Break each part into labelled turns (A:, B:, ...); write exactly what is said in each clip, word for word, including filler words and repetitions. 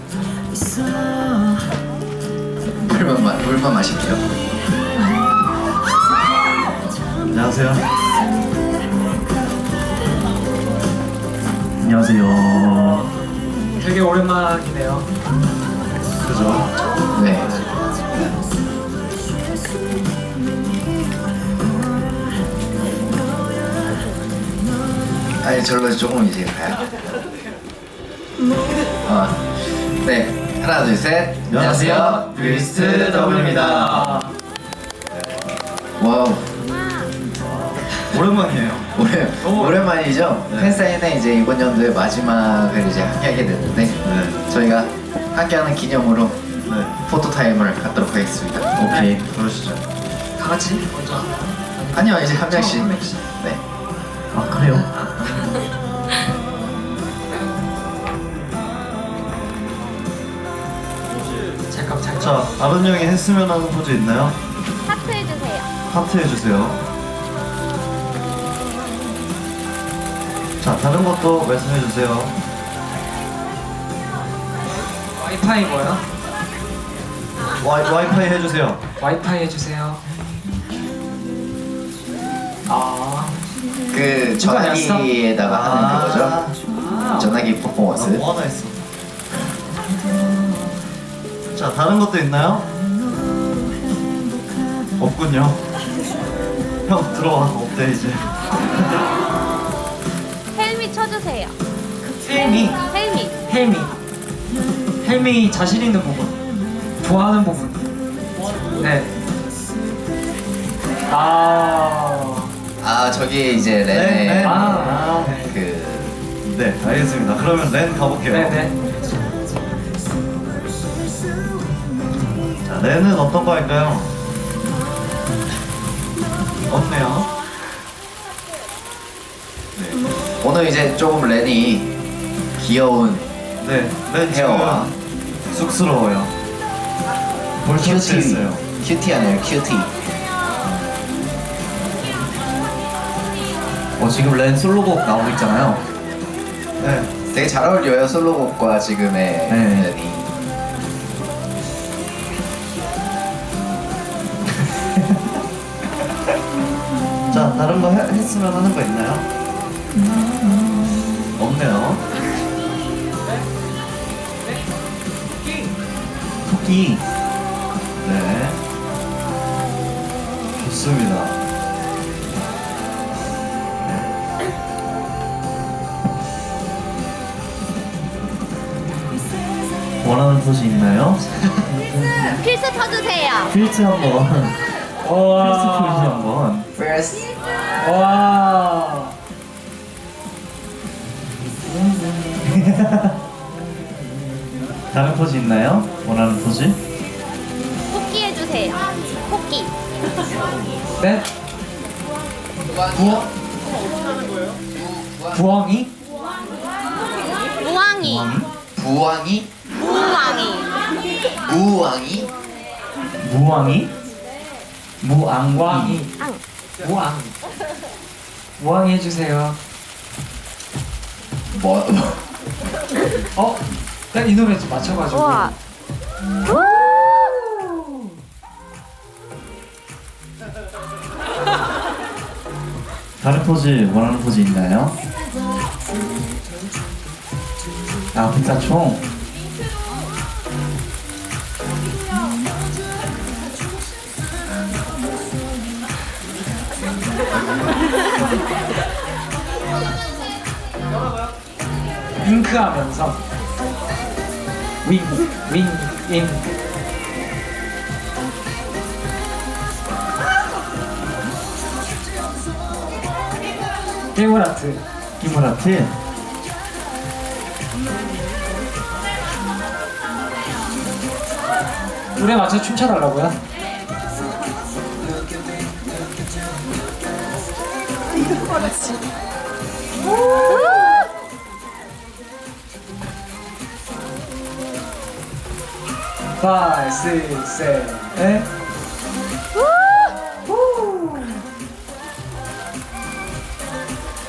A: 물만, 마, 물만 마실게요.
B: 안녕하세요. 안녕하세요.
C: 되게 오랜만이네요.
B: 그죠?
A: 네. 아니 저로 조금 이제 가요. 어, 네 하나 둘 셋. 안녕하세요. 뮤비스트 W입니다. 와우.
B: 오랜만이에요.
A: 오래 오랜만이죠.
B: 네.
A: 팬사인회 이제 이번 연도의 마지막을 이제 함께하게 됐는데
B: 네.
A: 저희가 함께하는 기념으로
B: 네.
A: 포토 타임을 갖도록 하겠습니다.
B: 오케이. 그러시죠.
C: 다 같이 먼저.
A: 아니요 이제 한 명씩.
C: 한 명씩.
A: 네.
B: 아 그래요?
C: 잠깐 잠깐.
B: 자, 아론 형이 했으면 하는 포즈 있나요?
D: 하트 해주세요.
B: 하트 해주세요. 자, 다른 것도 말씀해주세요.
C: 와이파이 뭐야?
B: 와이, 와이파이 해주세요.
C: 와이파이 해주세요. 아.
A: 그
C: 누가 냈어?
A: 전화기에다가 하는
B: 아.
A: 그거죠.
C: 아.
A: 전화기
B: 아,
A: 퍼포먼스.
B: 뭐 하나 했어. 자, 다른 것도 있나요? 없군요. 형 들어와. 없대 이제.
D: 헬미 쳐주세요.
C: 헬미.
D: 헬미.
C: 헬미. 헬미 자신 있는 부분. 좋아하는 부분. 네. 아.
A: 아 저기 이제
B: 네,
A: 렌의
B: 네.
C: 아. 아.
A: 그
B: 네, 알겠습니다. 그러면 렌 가볼게요.
C: 네네.
B: 자, 렌은 어떤 거 할까요? 없네요.
A: 오늘 이제 조금 렌이 귀여운
B: 네, 렌
A: 헤어와
B: 지금 쑥스러워요. 볼터치
A: 큐티
B: 했어요.
A: 큐티하네요 큐티.
E: 어, 지금 렌 솔로곡 나오고 있잖아요.
B: 네,
A: 되게 잘 어울려요 솔로곡과 지금의
E: 네.
A: 렌이.
B: 자, 다른 거 해, 했으면 하는 거 있나요? 없네요. 토끼. 네. 좋습니다. 원하는 포즈 있나요?
D: 필수 쳐주세요.
B: 필트 한번. 필트 포즈 한번.
A: First.
C: 와.
B: 다른 포즈 있나요? 원하는 포즈?
D: 토끼 해주세요. 토끼.
C: 네. 부엉. 부엉이?
D: 무왕이.
A: 부왕이?
D: 무왕이.
A: 무왕이?
B: 무왕이? 무앙.
C: 무왕이.
D: 앙.
C: 무왕. 무왕이 해주세요.
A: 뭐?
C: 어? 난 이 노래 좀 맞춰가지고.
D: 우와.
B: 다른 포즈 원하는 포즈 있나요? 아, 백사총.
C: 윙크하면서 윙, 윙, 윙. 깨물아트.
B: 히브라트.
C: 노래 맞춰 춤춰달라고요? 파이브, 식스, 세븐.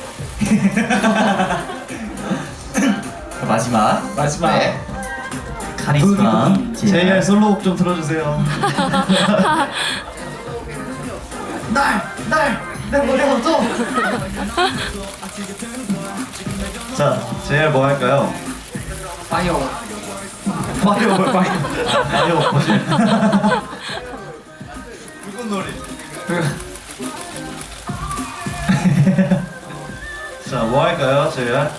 E: 마지막.
C: 마지막.
A: 네.
B: 카리스마
E: 제이알 솔로곡 좀 틀어주세요. 날! 날! 내 머리가 없어! 자, 제이알 뭐 할까요?
C: 파이어.
E: 마리오 파이어. 마리오 버전. 붉은 놀이. 자, 뭐 할까요, 제이알?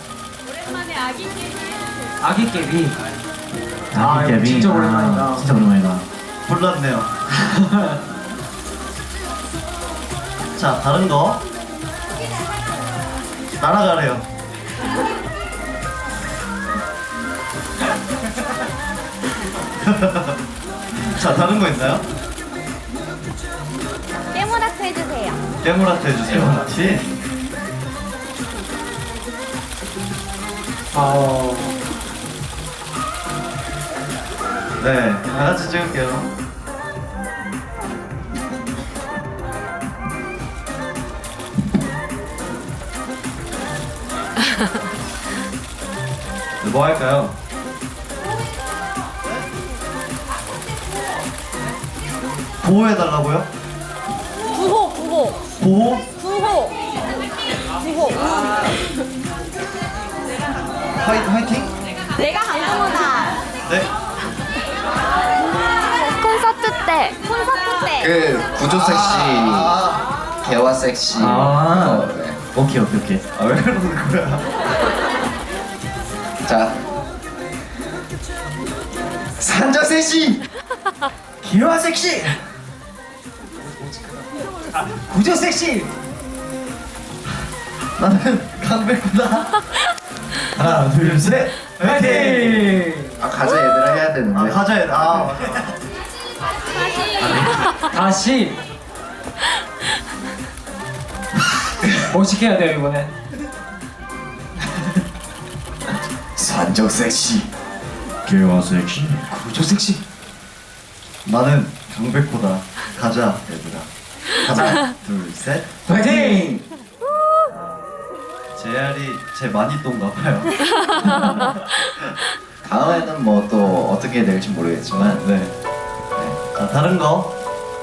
C: 아기 깨비.
B: 아,
C: 이거 진짜 오랜만이다.
B: 진짜 오랜만이다.
E: 불났네요. 자, 다른 거. 날아가래요. 자, 다른 거 있나요?
D: 깨모라트 해주세요.
E: 깨물아트 해주세요.
B: 깨물아트?
C: 어.
E: 네, 다 같이 찍을게요. 네, 뭐 할까요? 보호해달라고요?
D: 구호 구호
E: 보호?
D: 구호 구호.
E: 화이, 화이팅?
D: 내가 강동우다.
E: 네.
D: 콘서트 때 콘서트 때.
A: 그 구조 섹시,
E: 아,
A: 개화 섹시.
B: 아.
A: 어, 네.
B: 오케이 오케이 오케이.
E: 아, 왜 그러는 거야?
A: 자, 산적 섹시.
B: 기와 섹시. 아, 구조 섹시.
E: 나는 강백구다.
B: 하나 둘 셋. 화이팅.
A: 아 가자 얘들아 해야 되는데.
E: 아, 가자, 얘. 아, 맞아.
C: 다시. 멋있게 해야 돼요 이번엔.
A: 산적 섹시.
B: 기와 섹시.
A: 구조 섹시.
E: 나는 강백호다. 가자, 얘들아. 하나, 둘, 셋.
B: 화이팅.
E: 제알이 제 마니또인가 봐요.
A: 다음에는 뭐 또 어떻게 될지 모르겠지만.
E: 네. 자, 다른 거.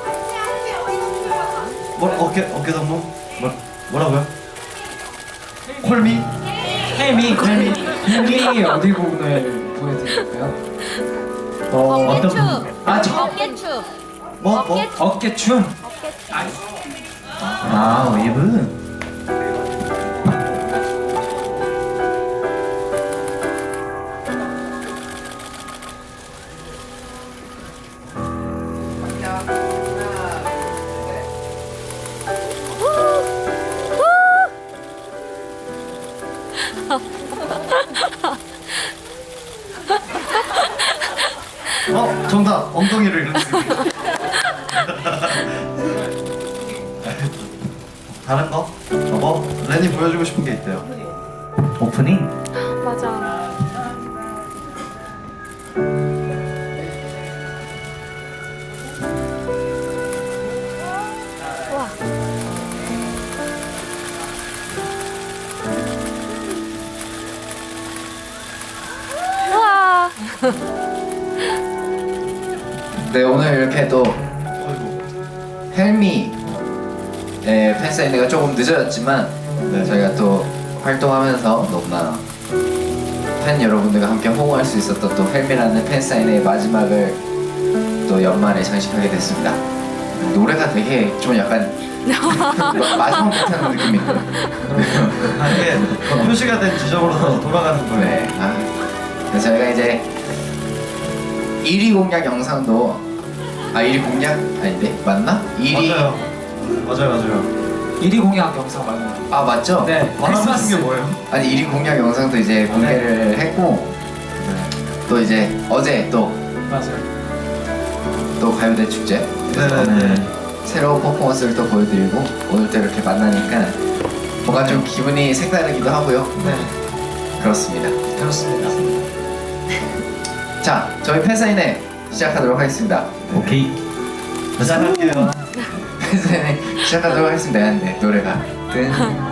E: 뭐 어깨 어깨 동무? 뭐 뭐라고요? 콜미?
C: 혜미 혜미 혜미 어디 부분을 보여드릴까요? 어,
D: 어깨춤.
C: 아, 저-
D: 어깨춤.
E: 뭐 뭐?
D: 어깨-
C: 어깨춤.
D: 어깨춤.
B: 아 웨이브.
E: 어 정답 엉덩이를 이렇게. 다른 거? 어, 뭐 렌이 보여주고 싶은 게 있대요.
B: 오프닝.
D: 맞아. 와. 우와.
A: 네 오늘 이렇게 또
E: 어이구.
A: 헬미 의 팬사인회가 조금 늦어졌지만
E: 네.
A: 저희가 또 활동하면서 너무나 팬 여러분들과 함께 호응할 수 있었던 또 헬미라는 팬사인회의 마지막을 또 연말에 장식하게 됐습니다. 노래가 되게 좀 약간 마지막 못하는 느낌이 있고요.
E: 아 이게 표시가 된 지점으로 다시 돌아가는 거예요.
A: 네. 아, 그래서 저희가 이제 일 위 공약 영상도 아 일 위 공약 아닌데 맞나? 일 위
E: 맞아요. 맞아요, 맞아요.
C: 일 위 공약 영상 맞아요.
A: 아 맞죠?
C: 네.
E: 말하고
C: 크리스마스.
E: 싶은 게 뭐예요?
A: 아니 일 위 공약 영상도 이제 공개를 했고 또 이제 어제 또 또
C: 맞아요.
A: 가요대 축제
E: 네네네.
A: 새로운 퍼포먼스를 또 보여드리고 오늘 또 이렇게 만나니까 뭔가 좀 기분이 색다르기도 하고요.
C: 네.
A: 그렇습니다.
C: 그렇습니다.
A: 자 저희 팬사인회 시작하도록 하겠습니다.
B: 오케이.
E: 시작할게요.
A: 팬사인회 시작하도록 하겠습니다. 근데 노래가 뜬